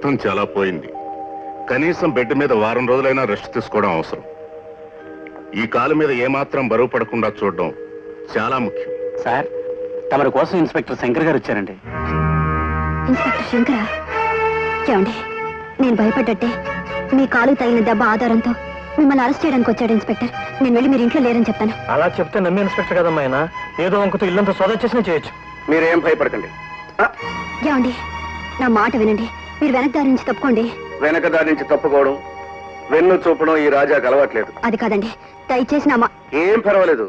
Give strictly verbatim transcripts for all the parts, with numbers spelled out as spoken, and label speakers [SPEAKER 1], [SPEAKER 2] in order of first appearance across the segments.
[SPEAKER 1] రక్తం చాలా పోయింది. కనీసం బెడ్ మీద వారం రోజులైనా రెస్ట్ తీసుకోవడం అవసరం. ఈ కాలు మీద ఏమాత్రం బరువు పడకుండా చూడడం చాలా ముఖ్యం.
[SPEAKER 2] సార్, తమరి కోసం ఇన్స్పెక్టర్ శంకర్ గారు వచ్చారండి.
[SPEAKER 3] ఇన్స్పెక్టర్ శంకరా? ఏమండి, నేను భయపడ్డట్టే మీ కాలు తగిలిన దెబ్బ ఆధారంతో మిమ్మల్ని అరెస్ట్ చేయడానికి వచ్చాడు ఇన్స్పెక్టర్. నేను వెళ్ళి మీరు ఇంట్లో లేరని చెప్తాను.
[SPEAKER 2] అలా చెప్తే నమ్మి ఇన్స్పెక్టర్ కదమ్మా ఆయన. ఏదో వంకతో ఇల్లంతా సోదా చేసినా చేయొచ్చు.
[SPEAKER 4] మీరేం భయపడకండి.
[SPEAKER 3] ఏమండి, నా మాట వినండి. మీరు వెనక దారి నుంచి తప్పుకోండి.
[SPEAKER 4] వెనక దారి నుంచి తప్పుకోవడం, వెన్ను చూపడం ఈ రాజాకు అలవాట్లేదు.
[SPEAKER 3] అది కాదండి, దయచేసి నా మా
[SPEAKER 4] ఏం పర్వాలేదు.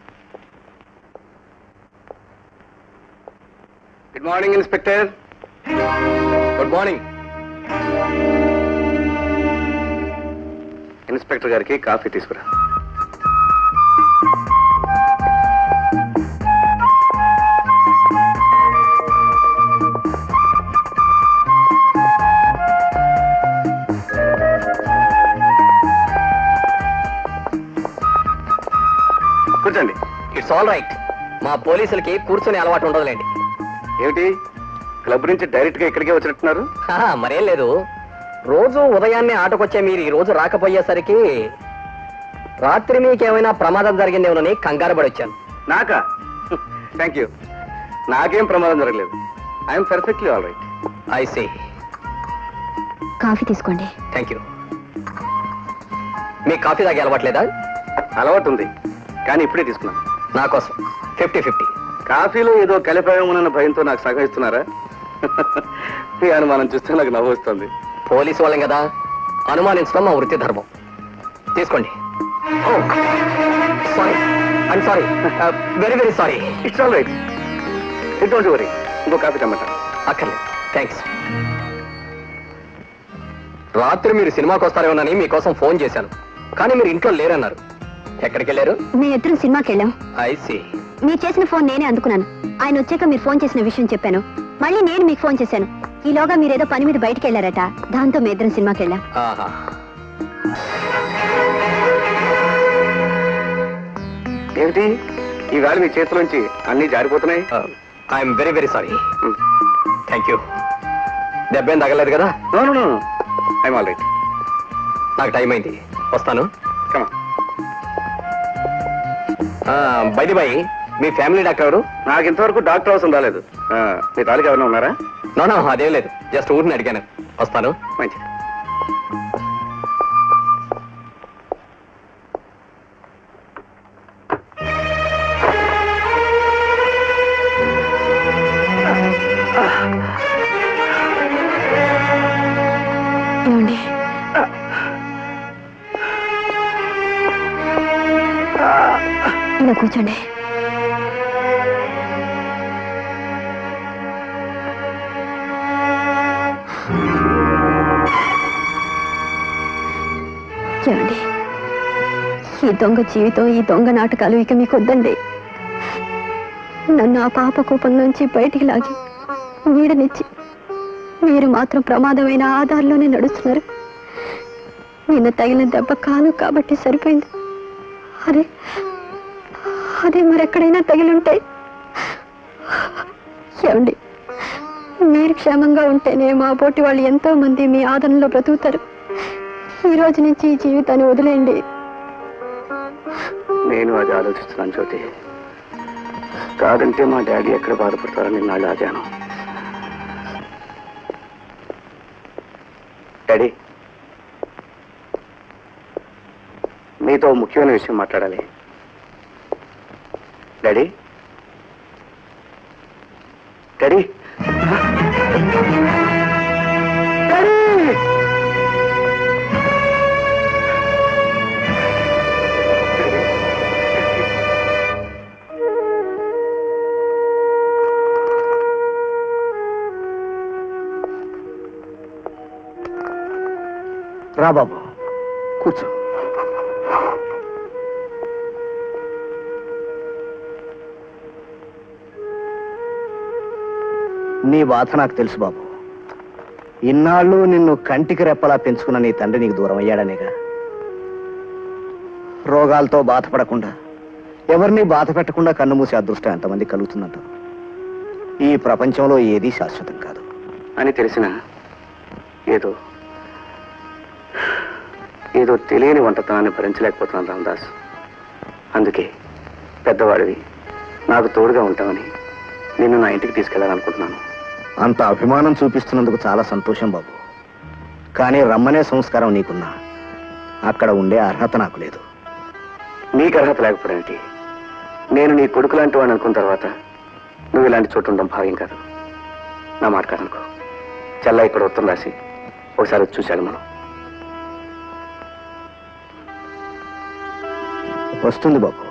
[SPEAKER 4] Good morning inspector. Good morning. Inspector గారికి కాఫీ తీసుకురా. కూర్చోండి.
[SPEAKER 5] It's all right. మా పోలీసులకి కూర్చొని అలవాటు ఉండదులేండి.
[SPEAKER 4] ఏమిటి, క్లబ్ నుంచి డైరెక్ట్ గా ఇక్కడికే వచ్చినట్టున్నారు?
[SPEAKER 5] మరేం లేదు, రోజు ఉదయాన్నే ఆటకొచ్చే మీరు ఈ రోజు రాకపోయేసరికి రాత్రి మీకేమైనా ప్రమాదం జరిగిందేమోనని కంగారు పడి వచ్చాను.
[SPEAKER 4] నాకా? Thank you. నాకేం ప్రమాదం జరగలేదు. I'm perfectly all right.
[SPEAKER 5] I see.
[SPEAKER 3] Coffee తీసుకోండి.
[SPEAKER 5] Thank you. మీకు కాఫీ తాగే అలవాట్లేదా?
[SPEAKER 4] అలవాటు ఉంది, కానీ ఇప్పుడే తీసుకున్నాను.
[SPEAKER 5] నా కోసం ఫిఫ్టీ ఫిఫ్టీ.
[SPEAKER 4] కాఫీలో ఏదో కలిపాయమోనన్న భయంతో నాకు సగం ఇస్తున్నారా? మీ అనుమానం చూస్తే నాకు నవ్వు వస్తుంది.
[SPEAKER 5] పోలీసు వాళ్ళం కదా, అనుమానించడం మా వృత్తి ధర్మం. తీసుకోండి. Sorry, I'm sorry, very very sorry.
[SPEAKER 4] It's all right. It don't worry. ఇంకో కాఫీ తెమ్మంటా?
[SPEAKER 5] అక్కర్లేదు, థ్యాంక్స్. రాత్రి మీరు సినిమాకి వస్తారేమోనని మీకోసం ఫోన్ చేశాను, కానీ మీరు ఇంట్లో లేరన్నారు. ఎక్కడికి వెళ్ళారు?
[SPEAKER 3] మేము ఇద్దరం సినిమాకి వెళ్ళాం.
[SPEAKER 5] I see.
[SPEAKER 3] మీరు చేసిన ఫోన్ నేనే అందుకున్నాను. ఆయన వచ్చాక మీరు ఫోన్ చేసిన విషయం చెప్పాను. మళ్ళీ నేను మీకు ఫోన్ చేశాను. ఈలోగా మీరేదో పని మీద బయటకు వెళ్ళారట. దాంతో మీ ఇద్దరం సినిమాకి వెళ్ళాం.
[SPEAKER 4] ఏమిటి ఈవేళ మీ చేతిలోంచి అన్ని జారిపోతున్నాయి?
[SPEAKER 5] I'm very very sorry. Thank you. దెబ్బేం తగలేదు కదా?
[SPEAKER 4] No no no, I'm all right.
[SPEAKER 5] నాకు టైం అయింది, వస్తాను.
[SPEAKER 4] కమా.
[SPEAKER 5] బై ది బై, మీ ఫ్యామిలీ డాక్టర్ ఎవరు?
[SPEAKER 4] నాకు ఇంతవరకు డాక్టర్ అవసరం రాలేదు. మీ తాలూకు ఎవరైనా ఉన్నారా?
[SPEAKER 5] నో నో, అదేం లేదు, జస్ట్ ఊరిని అడిగాను. వస్తాను.
[SPEAKER 4] మంచిది.
[SPEAKER 3] ఇలా కూర్చోండి. ఏమండి, ఈ దొంగ జీవితం, ఈ దొంగ నాటకాలు ఇక మీకు వద్దండి. నన్ను ఆ పాప కూపం నుంచి బయటికి లాగి నీడనిచ్చి మీరు మాత్రం ప్రమాదమైన ఆధారంలోనే నడుస్తున్నారు. నిన్న తగిలిన దెబ్బ కాలు కాబట్టి సరిపోయింది. అరే అదే మరెక్కడైనా తగిలుంటాయి. ఏమండి, మీరు క్షేమంగా ఉంటేనే మా పోటీ వాళ్ళు ఎంతో మంది మీ ఆదరణలో బ్రతుకుతారు. ఈ రోజు నుంచి ఈ జీవితాన్ని వదిలేయండి.
[SPEAKER 4] నేను అది ఆలోచిస్తున్నాను జ్యోతి. కాదంటే మా డాడీ ఎక్కడ బాధపడతారని నాళ్ళు ఆగాను. డాడీ, మీతో ముఖ్యమైన విషయం మాట్లాడాలి. డాడీ డాడీ రా బాబు, కూర్చో. నీ బాధ నాకు తెలుసు బాబు. ఇన్నాళ్ళు నిన్ను కంటికి రెప్పలా పెంచుకున్న నీ తండ్రి నీకు దూరం అయ్యాడనేగా. రోగాలతో బాధపడకుండా, ఎవరిని బాధ పెట్టకుండా కన్ను మూసే అదృష్టం ఎంతమంది కలుగుతుందంట. ఈ ప్రపంచంలో ఏదీ శాశ్వతం కాదు అని తెలిసిన ఏదో ఏదో తెలియని వంటతనాన్ని భరించలేకపోతున్నాను రామదాస్. అందుకే పెద్దవాడివి నాకు తోడుగా ఉంటామని నిన్ను నా ఇంటికి తీసుకెళ్లాలనుకుంటున్నాను. అంత అభిమానం చూపిస్తున్నందుకు చాలా సంతోషం బాబు. కానీ రమ్మనే సంస్కారం నీకున్నా అక్కడ ఉండే అర్హత నాకు లేదు. నీకు అర్హత లేకపోవడానికి నేను నీ కొడుకు లాంటి వాడిని అనుకున్న తర్వాత నువ్వు ఇలాంటి చోటు ఉండడం భావ్యం కాదు. నా మాట కాదనుకో. చల్ల ఇక్కడ ఉత్తరం రాసి ఒకసారి వచ్చి చూశాడు. మనం వస్తుంది బాబు.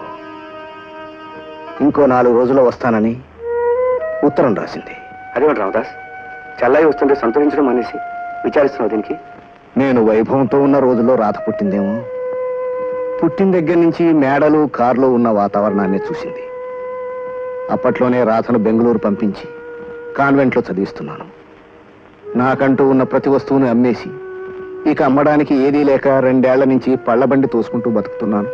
[SPEAKER 4] ఇంకో నాలుగు రోజుల్లో వస్తానని ఉత్తరం రాసింది. అదేమిటి రామదాస్, చెల్లాయి వస్తుంటే సంతోషించడం అనేసి విచారిస్తున్నావు దీనికి? నేను వైభవంతో ఉన్న రోజుల్లో రాత పుట్టిందేమో. పుట్టిన దగ్గర నుంచి మేడలు కార్లు ఉన్న వాతావరణాన్ని చూసింది. అప్పట్లోనే రాధను బెంగళూరు పంపించి కాన్వెంట్లో చదివిస్తున్నాను. నాకంటూ ఉన్న ప్రతి వస్తువుని అమ్మేసి ఇక అమ్మడానికి ఏదీ లేక రెండేళ్ల నుంచి పళ్ళబండి తోసుకుంటూ బతుకుతున్నాను.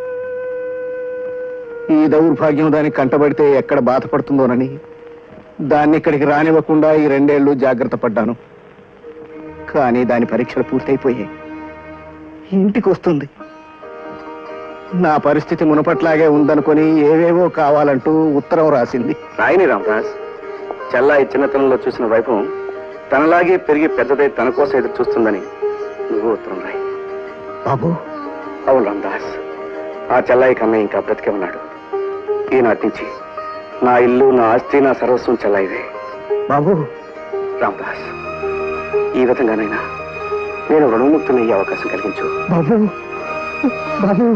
[SPEAKER 4] ఈ దౌర్భాగ్యం దానికి కంటబడితే ఎక్కడ బాధపడుతుందోనని దాన్ని ఇక్కడికి రానివ్వకుండా ఈ రెండేళ్లు జాగ్రత్త పడ్డాను. కానీ దాని పరీక్షలు పూర్తయిపోయాయి. ఇంటికి వస్తుంది. నా పరిస్థితి మునపట్లాగే ఉందనుకొని ఏవేవో కావాలంటూ ఉత్తరం రాసింది. రాయని రామదాస్, చెల్లాయి చిన్నతనంలో చూసిన వైభవం తనలాగే పెరిగి పెద్దదై తన కోసం ఎదురు చూస్తుందని నువ్వు ఉత్తరం రాయి. బాబు. అవును రామదాస్, ఆ చెల్లాయి కన్నా ఇంకా బ్రతికే ఉన్నాడు. ఈనాటి నుంచి నా ఇల్లు, నా ఆస్తి, నా సర్వస్వం చెల్లాయివే. బాబు. రామదాస్, ఈ విధంగానైనా నేను రుణముక్తునయ్యే అవకాశం కలిగించు. బాబు. బాబు.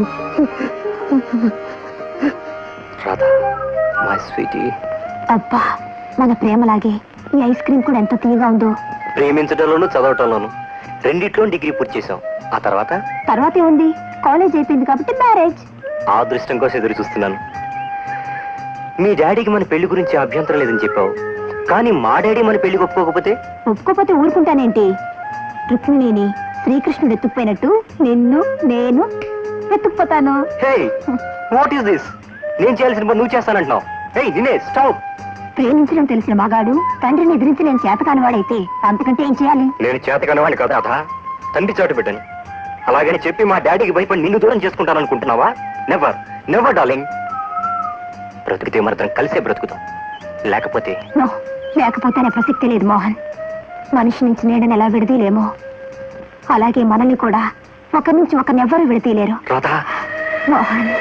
[SPEAKER 4] Radha, my sweetie.
[SPEAKER 3] అబ్బా, మన ప్రేమలాగే ఈ ఐస్ క్రీమ్ కూడా ఎంత తీయగా ఉందో.
[SPEAKER 5] ప్రేమించడంలోనూ చదవటంలోనూ రెండిట్లో డిగ్రీ పూర్తి చేశాం. ఆ తర్వాత
[SPEAKER 3] తర్వాత ఏముంది, కాలేజ్ అయిపోయింది కాబట్టి మ్యారేజ్.
[SPEAKER 5] ఆ అదృష్టం కోసం ఎదురు చూస్తున్నాను. మీ డాడీకి మన పెళ్లి గురించి అభ్యంతరం లేదని చెప్పావు, కానీ మా డాడీ మన పెళ్లికి ఒప్పుకోకపోతే?
[SPEAKER 3] ఒప్పుకోకపోతే ఊరుకుంటానేంటి? రుక్మిణిని శ్రీకృష్ణుడు ఎత్తుకుపోయినట్టు నిన్ను నేను ఎత్తుకుపోతాను.
[SPEAKER 5] Hey, what is this? నేను చేయాల్సిన పని నువ్వు చేస్తానంటున్నావు. హే దినేష్, స్టాప్.
[SPEAKER 3] ప్రేమించడం తెలిసిన మగాడు తండ్రిని ఎదిరించి నేను చేతకాని వాడైతే అంతకంటే ఏం చేయాలి?
[SPEAKER 5] నేను చేతకాని వాడిని కదా అథా, తండ్రి చాటు పెట్టాను. అలాగని చెప్పి మా డాడీకి భయపడి నిన్ను దూరం చేసుకుంటాను అనుకుంటున్నావా? Never never darling. బ్రతికితే మరిద్దరం కలిసే బ్రతుకుతాం, లేకపోతే
[SPEAKER 3] నో, లేకపోతేనే ప్రసక్తి లేదు మోహన్. మనిషి నుంచి నీడని ఎలా విడదీలేమో అలాగే మనల్ని కూడా ఒకరి నుంచి ఒకరినెవ్వరూ విడతీయలేరు.
[SPEAKER 5] రాధా.
[SPEAKER 3] మోహన్,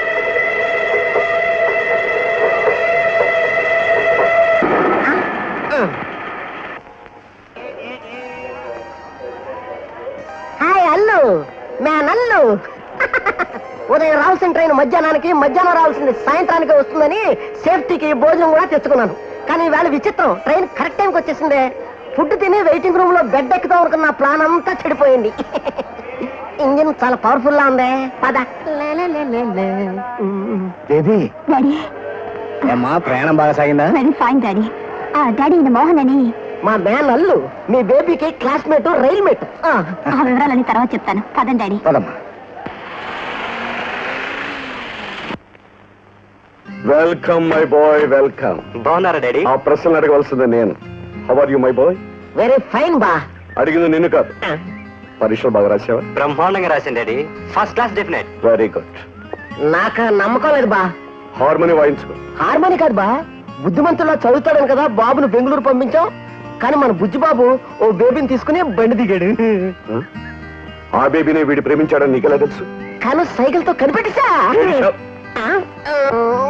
[SPEAKER 6] హాయ్ అల్లు, మే నల్లు. ఉదయం రావాల్సిన ట్రైన్ మధ్యాహ్నానికి, మధ్యాహ్నం రావాల్సింది సాయంత్రానికి వస్తుందని సేఫ్టీకి భోజనం కూడా తెచ్చుకున్నాను. కానీ వేళ విచిత్రం, ట్రైన్ కరెక్ట్ టైంకి వచ్చేసిందే. ఫుడ్ తిని వెయిటింగ్ రూమ్ లో బెడ్ ఎక్కుతాం అనుకున్న ప్లాన్ అంతా చెడిపోయింది. ఇంజిన్ చాలా పవర్ఫుల్ లా ఉంది. పద.
[SPEAKER 4] బేబీ.
[SPEAKER 3] డాడీ.
[SPEAKER 4] ఏమ్మా, ప్రయాణం బాగా సాగిందా?
[SPEAKER 3] Very fine daddy. డాడీ, ఈయన మోహన్ అని
[SPEAKER 6] మా మ్యాన్ అల్లు, మీ బేబీకి క్లాస్మేట్, రైల్ మేట్.
[SPEAKER 3] ఆ వివరాలన్నీ తర్వాత చెప్తాను. పదండి డాడీ.
[SPEAKER 4] పదమ్మా.
[SPEAKER 1] Welcome my boy, welcome.
[SPEAKER 5] బాగున్నారా డాడీ?
[SPEAKER 1] ఆ ప్రశ్నలు అడగవలసింది నేను. How are you my boy?
[SPEAKER 6] Very fine బా.
[SPEAKER 1] అడిగింది నిన్ను కాదు. పరీక్షలు బాగా రాసావా?
[SPEAKER 5] బ్రహ్మాండంగా రాసింది daddy, first class definite.
[SPEAKER 1] Very good.
[SPEAKER 6] నాకు నమ్మకం లేదు బా.
[SPEAKER 1] హార్మోని వాయించుకో.
[SPEAKER 6] హార్మోని కాదు బా, బుద్ధిమంతులా చదువుతాడని కదా బాబును బెంగళూరు పంపించాం. కానీ మన బుజ్జి బాబు ఓ బేబీని తీసుకుని బండి దిగాడు.
[SPEAKER 1] ఆ బేబీని వీడు ప్రేమించాడని నీకెలా తెలుసు?
[SPEAKER 6] కానీ సైకిల్ తో కనిపెట్టేశా.